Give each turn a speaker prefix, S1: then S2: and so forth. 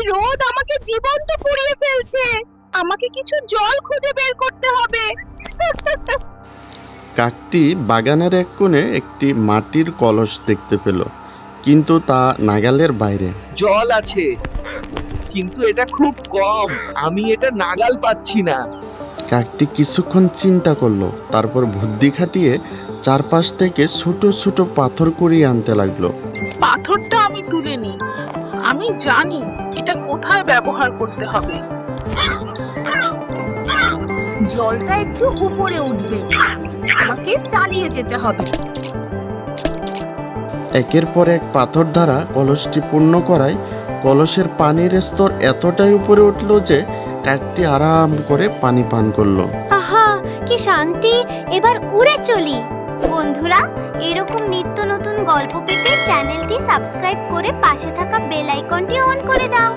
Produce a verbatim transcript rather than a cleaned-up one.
S1: রোদ আমাকে জীবন্ত পুড়িয়ে ফেলছে। আমাকে কিছু জল খুঁজে বের করতে হবে।
S2: কাকটি বাগানের এক কোণে একটি মাটির কলস দেখতে পেল, কিন্তু তা নাগালের বাইরে।
S3: জল আছে, কিন্তু এটা খুব কম, আমি এটা নাগাল পাচ্ছি না।
S2: কাকটি কিছুক্ষণ চিন্তা করলো, তারপর বুদ্ধি খাটিয়ে চারপাশ থেকে ছোট ছোট পাথর কুড়িয়ে আনতে লাগলো।
S1: পাথরটা আমি তুলে নিই, আমি জানি এটা কোথায় ব্যবহার করতে হবে।
S4: জলটা একটু উপরে উঠবে, আমাকে চালিয়ে যেতে হবে।
S2: একের পর এক পাথর দ্বারা কলসটি পূর্ণ করায় কলসের পানির স্তর এতটাই উপরে উঠল যে কাকটি আরাম করে পানি পান করলো।
S5: আহা কি শান্তি, এবার উড়ে চলি। বন্ধুরা, এরকম নিত্য নতুন গল্প পেতে চ্যানেলটি সাবস্ক্রাইব করে পাশে থাকা বেল আইকনটি অন করে দাও।